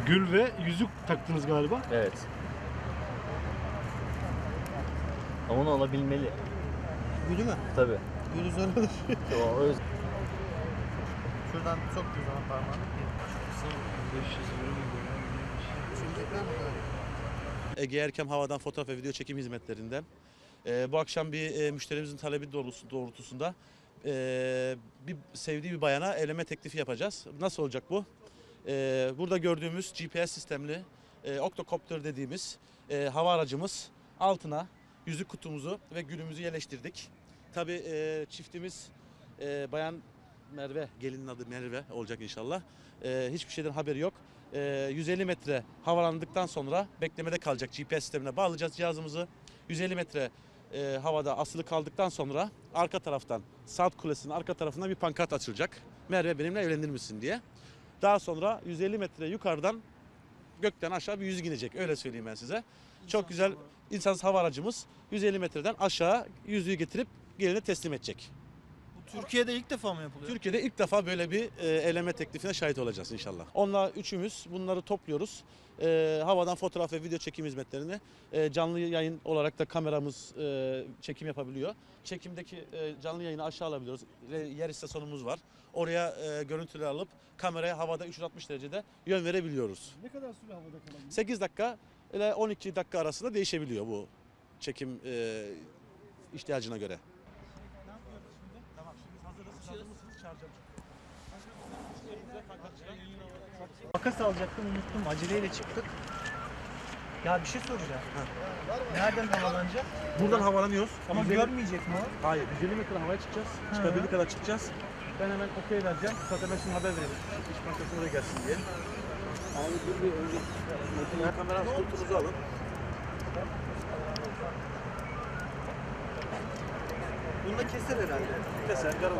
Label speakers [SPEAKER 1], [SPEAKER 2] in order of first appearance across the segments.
[SPEAKER 1] Gül ve yüzük taktınız galiba.
[SPEAKER 2] Evet. Ama onu alabilmeli.
[SPEAKER 3] Gülü mü?
[SPEAKER 2] Tabii.
[SPEAKER 3] Gülü zor olur.
[SPEAKER 2] O öz...
[SPEAKER 3] Şuradan soktuğu zaman parmağını. 500 euro mu?
[SPEAKER 4] Ege Erkem Havadan fotoğraf ve video çekim hizmetlerinden. Bu akşam bir müşterimizin talebi doğrultusunda bir sevdiği bir bayana evlenme teklifi yapacağız. Nasıl olacak bu? Burada gördüğümüz GPS sistemli Octocopter dediğimiz hava aracımız altına yüzük kutumuzu ve gülümüzü yerleştirdik. Tabii çiftimiz bayan Merve, gelinin adı Merve olacak inşallah. Hiçbir şeyden haberi yok. 150 metre havalandıktan sonra beklemede kalacak. GPS sistemine bağlayacağız cihazımızı. 150 metre havada asılı kaldıktan sonra arka taraftan Saat Kulesi'nin arka tarafından bir pankart açılacak. Merve benimle evlenir misin diye. Daha sonra 150 metre yukarıdan gökten aşağı bir yüzük inecek. Öyle söyleyeyim ben size. Çok güzel insansız hava aracımız 150 metreden aşağı yüzüğü getirip geline teslim edecek.
[SPEAKER 3] Türkiye'de ilk defa mı yapılıyor?
[SPEAKER 4] Türkiye'de ilk defa böyle bir evlenme teklifine şahit olacağız inşallah. Onunla üçümüz bunları topluyoruz. Havadan fotoğraf ve video çekim hizmetlerini canlı yayın olarak da kameramız çekim yapabiliyor. Çekimdeki canlı yayını aşağı alabiliyoruz. Yer istasyonumuz var. Oraya görüntüler alıp kameraya havada 360 derecede yön verebiliyoruz.
[SPEAKER 1] Ne kadar süre havada kalabilir?
[SPEAKER 4] 8 dakika ile 12 dakika arasında değişebiliyor bu çekim ihtiyacına göre.
[SPEAKER 3] Makas alacaktım, unuttum. Aceleyle çıktık. Ya bir şey soracağım. Nereden havalanacak?
[SPEAKER 4] Buradan havalanıyoruz.
[SPEAKER 3] Ama
[SPEAKER 4] 150
[SPEAKER 3] görmeyecek mi o?
[SPEAKER 4] Hayır, 150 metre havaya çıkacağız. Çıkabildiği kadar çıkacağız. Ben hemen okey vereceğim. Zaten ben şimdi haber veririm. İş bankası oraya gelsin diye. Abi dur bir önce kamera skurtunuzu alın.
[SPEAKER 3] Bunu da keser herhalde.
[SPEAKER 4] Keser, yaralama.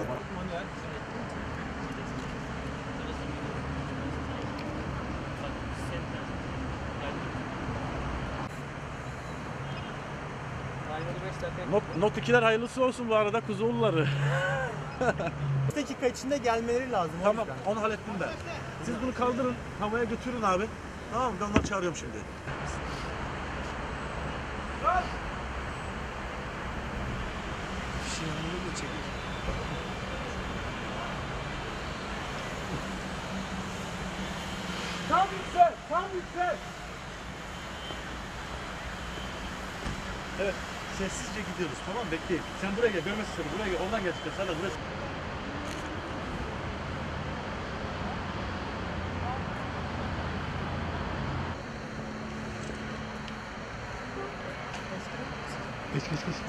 [SPEAKER 4] Not 2'ler hayırlısı olsun bu arada Kuzuoğulları.
[SPEAKER 3] 5 dakika içinde gelmeleri lazım. o
[SPEAKER 4] Tamam,
[SPEAKER 3] yüzden.
[SPEAKER 4] onu hallettim ben. Siz bunu kaldırın, havaya götürün abi. Tamam mı? Ben onları çağırıyorum şimdi.
[SPEAKER 3] Şimdi de çekil.
[SPEAKER 1] Tam yüksel! Tam yüksel!
[SPEAKER 4] Evet, sessizce gidiyoruz. Tamam, bekleyin. Sen buraya gel, görmesin seni. Buraya gel, oradan gel. Sen de buraya. Geç.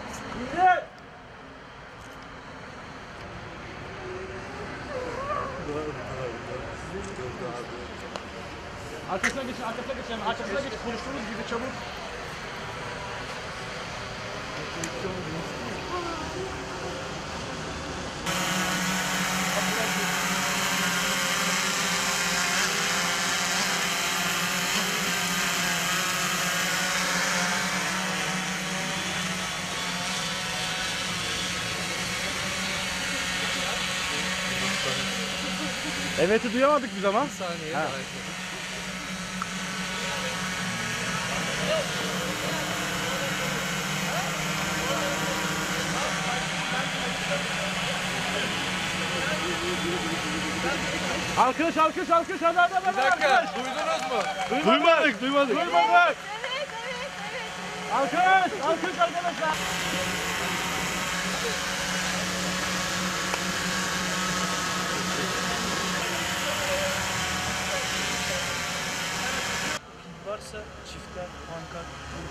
[SPEAKER 4] Arkasına geçin. Arkasına geç. Konuştuğumuz gibi çabuk. Evet'i duyamadık biz ama.
[SPEAKER 3] Saniye.
[SPEAKER 1] Alkış. Hadi.
[SPEAKER 5] Bir dakika, duydunuz mu?
[SPEAKER 1] Duymadık.
[SPEAKER 5] Duymadık.
[SPEAKER 1] Alkış arkadaşlar.
[SPEAKER 3] Varsa çiftler, pankart.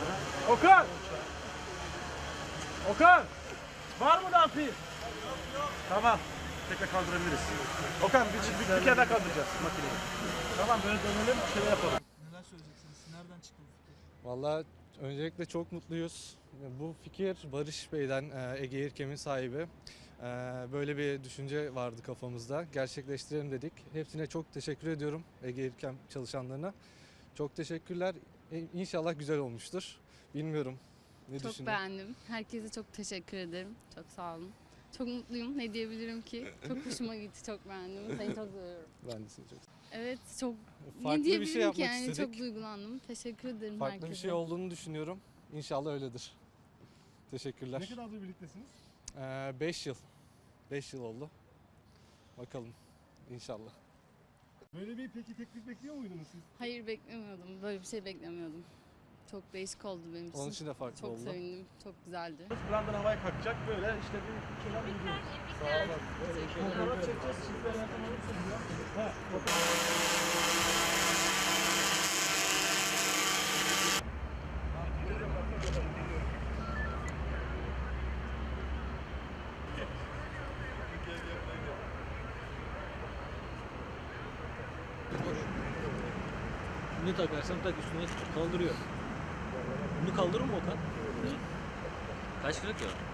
[SPEAKER 1] Okan. Var mı daha pil?
[SPEAKER 4] Tamam. Tekrar kaldırabiliriz. Okan bir kere daha kaldıracağız makineyi. Tamam böyle dönelim şöyle yapalım.
[SPEAKER 3] Neler söyleyeceksiniz? Nereden çıktı bu fikir?
[SPEAKER 6] Vallahi öncelikle çok mutluyuz. Bu fikir Barış Bey'den, Ege İrkem'in sahibi. Böyle bir düşünce vardı kafamızda. Gerçekleştirelim dedik. Hepsine çok teşekkür ediyorum, Ege İrkem çalışanlarına. Çok teşekkürler. İnşallah güzel olmuştur. Bilmiyorum. Ne
[SPEAKER 7] Çok
[SPEAKER 6] düşünüyorsun?
[SPEAKER 7] beğendim. Herkese çok teşekkür ederim. Çok sağ olun. Çok mutluyum. Ne diyebilirim ki? Çok hoşuma gitti. Çok beğendim. Seni çok seviyorum.
[SPEAKER 6] Ben de seni çok
[SPEAKER 7] Evet çok
[SPEAKER 6] Farklı
[SPEAKER 7] ne
[SPEAKER 6] bir şey
[SPEAKER 7] diyebilirim ki
[SPEAKER 6] yapmak
[SPEAKER 7] yani
[SPEAKER 6] istedik.
[SPEAKER 7] çok duygulandım. Teşekkür ederim
[SPEAKER 6] Farklı
[SPEAKER 7] herkese.
[SPEAKER 6] bir şey olduğunu düşünüyorum. İnşallah öyledir. Teşekkürler.
[SPEAKER 1] Ne kadardır birliktesiniz?
[SPEAKER 6] 5 yıl. 5 yıl oldu. Bakalım. İnşallah.
[SPEAKER 1] Böyle bir peki teklif bekliyor muydunuz siz?
[SPEAKER 7] Hayır beklemiyordum. Böyle bir şey beklemiyordum. Çok değişik oldu benim için.
[SPEAKER 6] Onun için de farklı
[SPEAKER 7] çok
[SPEAKER 6] oldu.
[SPEAKER 7] sevindim. Çok güzeldi.
[SPEAKER 1] Brandan havaya kalkacak böyle işte bir şeyler gidiyoruz. Sağ olun. Fotoğraf çekeceğiz. Siz de yardım olursunuz ya. Ha,
[SPEAKER 2] Ne takarsan tak üstüne kaldırıyor. Bunu kaldırır mı Okan? Kaç kırık ya?